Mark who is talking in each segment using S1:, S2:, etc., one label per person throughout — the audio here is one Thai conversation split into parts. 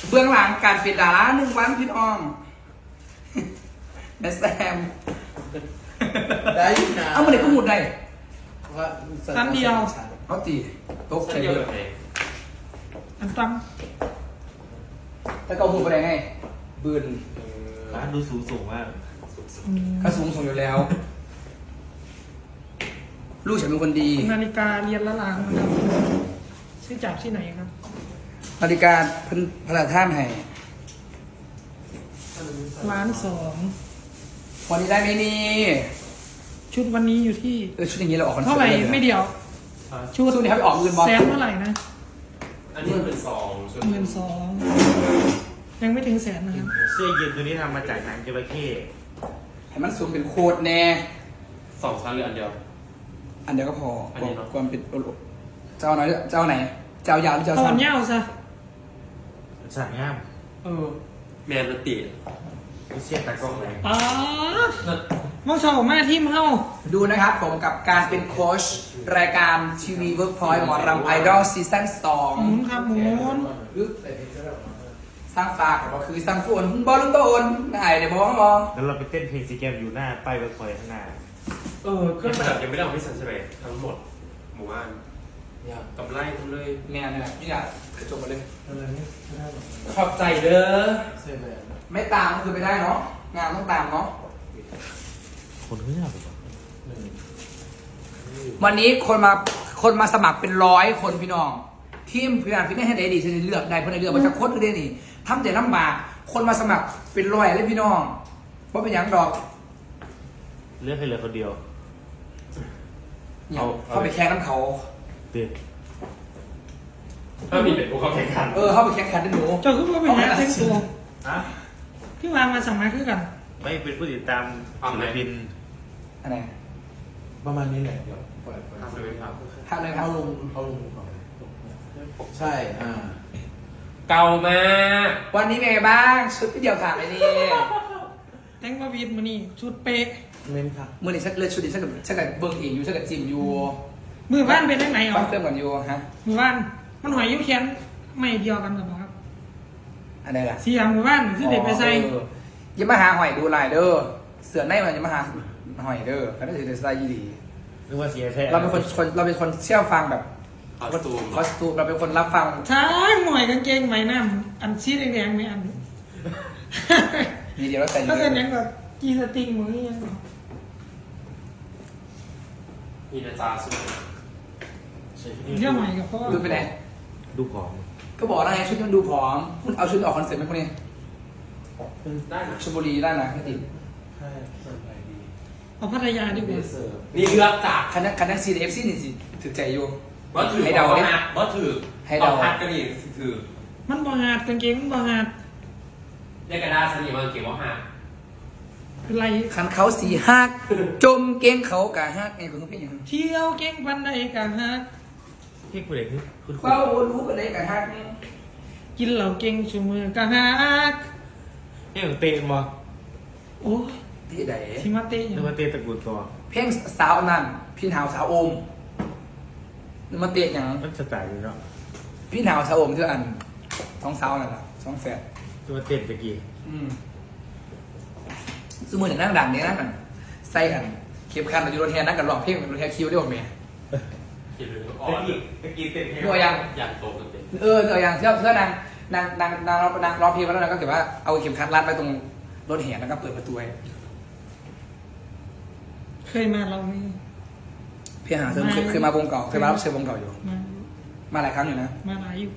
S1: เบื้องหลังการเป็นดารา1 วันพี่น้องแม่แซม
S2: ได้อยู่นะ
S1: เอามาเด็กก็หมุดได้
S2: ว่า
S3: ครั้งเดียว
S1: เขาตีโต๊ะ
S4: เส้
S1: ใช้
S4: นเดียว
S1: เบอ
S4: แบบ
S1: ร์
S4: ไหน
S3: อันตั้ม
S1: แล้วก็หมุดไปได้ไงบืน
S2: ร้านดูสูงมาก
S1: ก็สูงอยู่แล้ว ลูกฉันเป็นคนดี
S3: นาฬิกาเรียนละลางนะครับซื้อจากที่ไหนครับ
S1: นาฬิกาเพิ่นพระราชทานให้
S3: 1,200,000
S1: วันนี้ได้ไหมนี่
S3: ชุดวันนี้อยู่ที่
S1: ชุดอย่างนี้เราออกคอนเสิ
S3: เท่า
S1: ร์ต
S3: ไหร่
S1: ด้ลย
S3: ไม่เดียว
S1: ชุดนี้ครับไปออกเงินบอล
S3: แสนเท่าไหร่นะ
S4: อันนี้เป็นซองชุด
S3: 12,000ยังไม่ถึงแสนนะครับ
S2: เสื้อยืนตัวนี้ทำมาจากหนังจระเข้
S1: ให้มันสูงเป็นโคตรแน่
S4: 2 ชั้นหรืออันเดียว
S1: อันเดียวก็พอ
S4: อันนี้เนอะ
S1: ความเป็นเจ้าไหนเจ้าไหน เจ้ายาวหรือเจ้า
S3: เอา
S1: สั้
S3: อั
S1: น
S3: นยาวซะ
S2: สั่งง่าม
S4: แมนมันติ
S2: เสื้อตากล้องเลย
S3: อ๋อมองชอบมาทีมเฮา
S1: ดูนะครับผมกับการเป็นโค้ชรายการทีวีเวิร์กพอยต์หมอรำไอดอลซีซั่น
S3: หมุนครับหมุน
S1: 2สร้างฝากก็คือสร้างฝนบอลลูนโตนไหนเดี๋ยวบอกว่า
S2: แล้วเราไปเต้นเพลงซีแกมอยู่หน้าป้ายเวิร์กพอยต์ข้างหน้า
S4: เครื่องประดับยังไม่ได้เอาไปสันใช่ไหมทั้งหมดหมู่บ้านกับไล่ทั้งเลย
S1: แม่เนี่ยนี่อยากกระจกมาเลย
S4: ขอบใจเด้อ
S1: ไม่ตามก็คือไม่ได้เนาะงานต้องตามเนาะ
S2: คนเขาอยากแบบ
S1: วันนี้คนมาสมัครเป็น100 คนพี่น้องทีมพยานฟิตเนสให้ได้ดีฉันเลือกได้เพราะในเลือกมันจะค้นได้นี่ทำแต่ลำบากคนมาสมัครเป็น100เลยพี่น้องว่าเป็นอย่างดอก
S2: เลือกให้เหลือคนเดียว
S1: เนี่ยเข้าไปแข่งน้ำเขา
S2: เตือน
S4: ถ้ามีเป็นพวกเขาแข่งขัน
S1: เข้าไปแข่งขันด้วยหนู
S3: เจ้าคือว่าเป็นนักเต้นตัว
S2: ฮะ
S3: พี่วางมาสั่งมาคือกัน
S2: ไม่เป็นผู้ติดตามศิลปิน
S1: อันไหน
S5: ประมาณนี้แหละเดี๋ยวปล่อย
S4: ทำเลยครับ
S1: ทำเลยครับ
S5: เอาลงก่อนใช่
S4: เก่ามาก
S1: วันนี้เป็นไงบ้างชุดพี่เดียวขาดเลยนี่
S3: แต่งมาวีดมานี่ชุดเป๊ะ
S5: เมนค่ะ
S1: มือนี่ฉันเลือกชุดนี้ฉันกับเบิ้งเองอยู่ฉันกับจิมอยู่
S3: มือบ้านเป็นยังไงอ๋
S1: บ้า
S3: อน
S1: เติมก่อนอยู่ฮะ
S3: มือบ้านมันหอยยิ้วแขนไม่เดียวกันหรอครับ
S1: อันไหนล่ะ
S3: เสียมือบ้านคือเด็กไปใส่
S1: อยังมาหาหอยดูลายเด้อเสือในมันอยังมาหาหอยเด้อแล้วก็ถือแต่สไตล์ยีดี
S2: นึกว่าเสียแท้
S1: เราเป็นคนเชี่ยวฟังแบบ
S4: คอสตูม
S1: คอสตูมเราเป็นคนรับฟัง
S3: ใช่หน่อยกางเกงไหมน้ำอันชี้แดงๆไหมอัน
S1: มีเดียวเราใส่
S3: ถ้าเป็นยังแบบกีสติงมือยัง
S4: มีนาจาสุด
S3: เรื่องใหม่กับพ่อ
S1: ดูไปไหน
S2: ดูของ
S1: ก็บอกแล้วไงชุดมันดูผอมคุณเอาชุดออกคอนเสิร์ตไหมพวกนี้
S4: ได้นะ
S1: ชลบุรีได้นะไม่ติด
S5: ใช่สบายดี
S3: เอาพัทยาดีก
S5: เบ
S3: ว่า
S5: สเซอร์
S4: นี่เลือกจาก
S1: คณะซีเอฟซีนี่สิถือใจอยู่
S4: ว่าถือ
S1: ให้เดาดิ
S4: ว่าถือ
S1: ให้เดา
S4: อพัดกันอีกถือ
S3: มันบางอาดกางเกงมันบางอาด
S4: เรียกกันได้สนิทมาเก็บว่าหัก
S3: เป็นไร
S1: คันเขาสีหักจมเก้งเขากะฮักไงคุณต้องเป็นอย่างนั้น
S3: เที่ยวเก่งปันใดกันฮะ
S2: พี่ผู้เด็กคุณ
S1: เฝ้ารู้กันได้กะฮัก
S3: กินเหล่าเก่งชูมือกันฮะ
S2: นี่ของเต้นบ่
S3: โอ้ย
S1: ที่ใด
S3: ชิมาเต้
S2: นึกว่าเต้นตระกูลตัว
S1: เพลงสาวนั่นพี่หาวสาวโอมนึกมาเตะอย่าง
S2: มันจะตายอยู่เนาะ
S1: พี่หาวสาวโอมคืออันสองสาวนั่นแหละสองแฝด
S2: นึกว่าเต้นตะกี้
S1: สมมติอย่างนั่งดังเนี่ยนั่งกันใส่กันเข็มขัดอยู่รถแทนนั่งกันร้องเพลงรถแทนคิวได้หมดไหม
S4: เก็บเลยอ่อ
S2: ตะ
S4: น
S2: กี้เต้นเพลง
S1: ดูยัง
S4: อย่างโตกันเป็น
S1: อย่างเชื่อนางร้องเพลงแล้วนางก็เก็บว่าเอาเข็มขัดรัดไปตรงรถแห่แล้วก็เปิดประตูให้
S3: เคยมาเรานี่
S1: พี่หาเคยมาวงเก่าเคยมารับเชิญวงเก่าอยู่
S3: มา
S1: มาหลายครั้งอยู่นะ
S3: มาหลายอยู่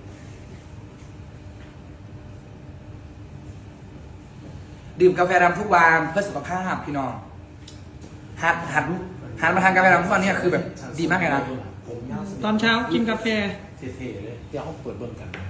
S1: ดื่มกาแฟดำทุกวันเพื่อสุขภาพพี่น้องหัดมาทานกาแฟดำทุกวันเนี่ยคือแบบดีมากเลยนะ
S5: ผมยาวสุด
S3: ตอนเช้ากินกาแฟ
S5: เท่ๆเลยเดี๋ยวเขาเปิดเบิ่งกันนะ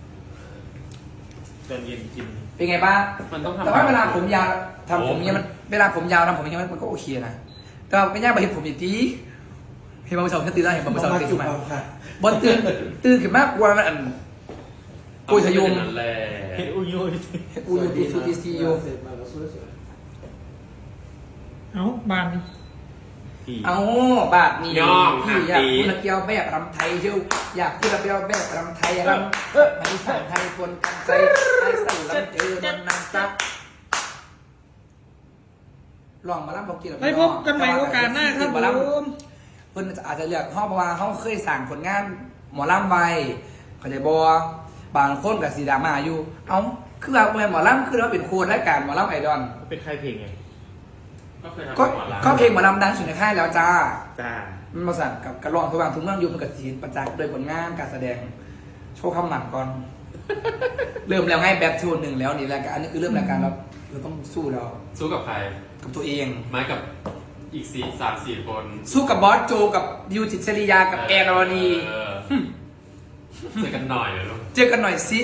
S2: ตอนเย็นกิน
S1: เป็นไงบ้าง
S4: มันต้องทำ
S1: แต่ว่าเวลาผมยาวทำผมเนี่ยมันเวลาผมยาวทำผมเนี่ยมันก็โอเคนะแต่ว่าไม่ยากไปเห็นผมอย่างนี้เห็นบางสาวตื่นได้เห็นบางสาวตื่นขึ้นมา
S5: ค่ะ
S1: บนตื่นขึ้นมากกว่ามันอันกุยทะยุง
S4: นั่นแหละ
S2: เฮ็ดอุ้ยอุ้ย
S1: อูยูปีซูปีซียู
S5: เสร็จมาแล้วสวย
S3: เอาบานนี่
S2: พี่
S1: เอาบาทนี้
S4: ย่อง
S1: พี่อยาก
S4: ตี
S1: พูดระเกียวแบบรำไทยเชียวอยากพูดระเกียวแบบรำไทยรำไม่สานไทยคนกันใจไอ้สั่นลำเจอมันนางซักลองมาล่ำพอกิน
S3: ไปพบกันใหม่โอกาสหน้าครับผม
S1: เพิ่นอาจจะเลือกห้องเพราะว่าเขาเคยสั่งผลงานหมอลำไว้เข้าใจบ่บางคนกับสีดราม่าอยู่เอ้าคือว่าหมอลำคือเราเป็นโค้ดรายการหมอลำไอดอล
S2: เป็นใครเพลงไง
S4: ก็เคยทำ
S1: ก็
S4: หมอลำ
S1: ก็เพลงหมอลำดังสุดในค่ายแล้วจ้า
S2: จ้า
S1: มันมาสั่งกับกระรองทุกวันทุกเรื่องอยู่มันกับสีประจักษ์โดยผลงานการแสดงโชว์คำหมันก่อน เริ่มแล้วไงแบบโชว์หนึ่งแล้วนี่รายการอันนี้คือเริ่มรายการเราต้องสู้แล้ว
S4: สู้กับใคร
S1: กับตัวเอง
S4: ไม้กับอีก3-4 คน
S1: สู้กับบอสโจกับดิวจิตรศริยากับแอร์รอนี
S4: เออเจอกันหน่อยเลยลูก
S1: เจอกันหน่อยสิ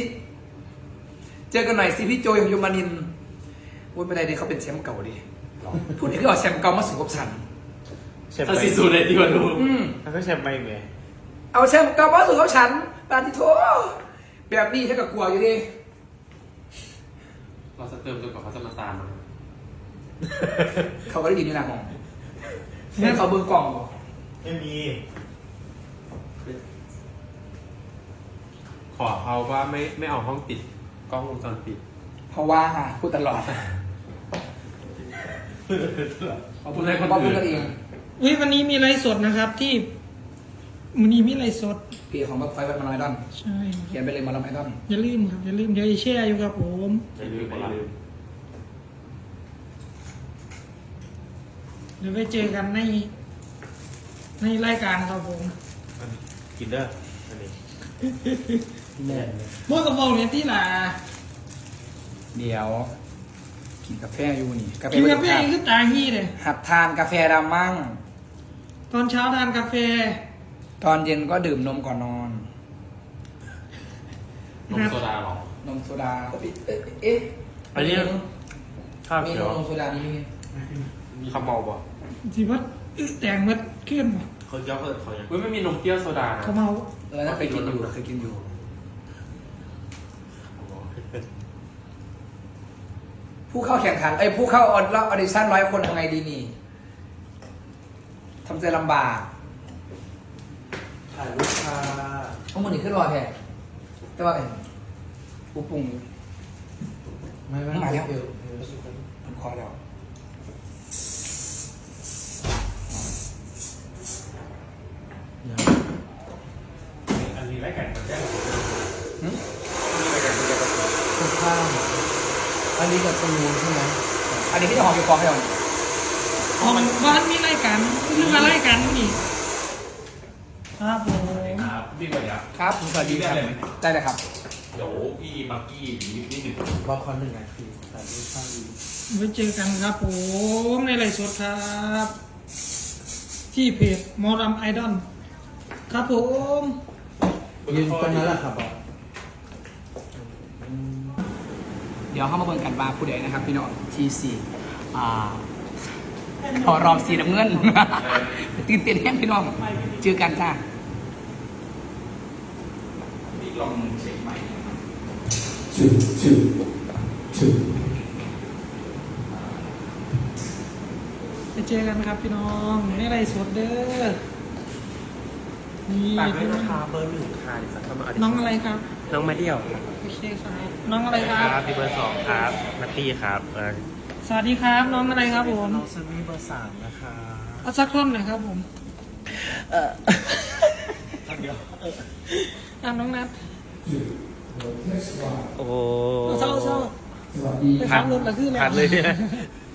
S1: พี่โจยของยมนินทร์วุ้ยไม่ได้ดิเขาเป็นแชมป์เก่าดิพูดถึงก็เอาแชมป์เก่ามาสู่กับฉัน
S2: แชมป์
S4: ถ้า
S2: ไป
S4: ซีซูเลยดีกว่าลูก
S2: ถ้าก็แชมป์ไปไง
S1: เอาแชมป์เก่ามาสู่กับฉันปาติโทแบบนี้ถ้ากับกลัวอยู่ดิ
S4: เราจะเติมจนกว่าเขาจะมาตามมา
S1: เขาก็ได้ยินในหนังของแม่เขาเบิ่งกล่องบ่
S2: ไม่มี
S4: ขอเขาว่าไม่เอาห้องติดกล้องวงจรปิด
S1: เพราะว่าพูดตลอดเขาพูดกันเอง
S3: วันนี้มีไลฟ์สดนะครับที่วันนี้มีไลฟ์สด
S1: เพจของบัฟไฟวัดมาลายดอน
S3: ใช่
S1: เขียนไปเลยมาลายดอน
S3: อย่าลืมครับอย่าลืมเดี๋ยวจะแชร์อยู่ครับผม
S4: อย่าลืม
S3: เดี๋ยวไปเจอกันในรายการครับผม
S2: กินเด้ออันนี้
S5: แน่นเลย
S3: โมกับโมเนี่ยที่หล่ะ
S1: เดี๋ยวกินกาแฟอยู่นี่
S3: กินกาแฟนี่คือตาฮี้เลย
S1: หัดทานกาแฟดำมั่ง
S3: ตอนเช้าทานกาแฟ
S1: ตอนเย็นก็ดื่มนมก่อนนอน
S4: นมโซดาหรอน
S1: มโซดาเอ๊ะ
S2: อันนี้ข้าว
S1: มี
S2: เขียวน
S1: มโซดานี่มี
S2: ข้าวเมาบ่
S3: สิว่าแต่งมัดขึ้นบ่
S2: เขาเจ้าเขายัง
S4: เว้ยไม่มีนมเปรี้ยวโซดานะ
S3: เขาเมา
S1: แล้วเคยกินอยู่ผู้เข้าแข่งขันผู้เข้าออดิชั่น100 คนทำไงดีนี่ทำใจลำบาก
S5: ถ่ายรูปค่ะ
S1: เพราะมันนี่ขึ้นรอแท้แต่ว่าผู้ปรุง
S5: ไม่
S1: มาแล้ว
S5: เดี๋ยว
S1: มันคอแล้ว
S4: อันนี้รายการมันได้หรอ
S5: คุณข้ามอันนี้กับตูนใช่ไหม
S1: อันนี้พี่จะหอมอยู่คอให้เรา
S3: ของบ้านมีรายการเรื่องอะไรายกันนี่ครับผม
S4: ครับพี่วันนี้
S1: ครับสวัสดีครับได้เลยครับ
S4: เดี๋ยวพี่บักกี้นิดหนึ่ง
S5: รอคอน1 นาทีถ่ายรูปข้างดี
S3: ไว้เจอกันครับผมในไลฟ์สดครับ ที่เพจมอรัมไอดอลครับผม
S5: ยืนตรงนั้นแหละครับบอส
S1: เดี๋ยวเข้ามาเบิ่งกันว่าผู้ใดนะครับ พี่น้องทีสี่พอรอบสีน้ำเงิน ตื่นเต้นแห้งพี่น้องเจอกันจ้าพี่ลองเช็คใหม่
S3: ไปเจอกันครับพี่น้องในไลฟ์สดเด้อนี่
S2: ฝากด้วยนะคะเบอร์ 1ค่ะดิฉันเข้ามา
S3: น้องอะไรครับ
S2: น้องมาเดี่ยว
S3: โอเคครับน้องอะไรครับ
S2: พี่เบอร์ 2ครับนัตตี้ครับ
S3: สวัสดีครับน้องอะไรครับผม
S5: น้องซันนี่เบอร์ 3 นะคะ
S3: เอาสักท่อนหน่อยครับผม
S5: เดี๋ยว
S3: น้องนัท
S2: โอ้
S3: เศร้า
S1: สวัสดี
S3: ไปขับรถหรือคืออะไร
S2: ผ่านเลยเนี่ย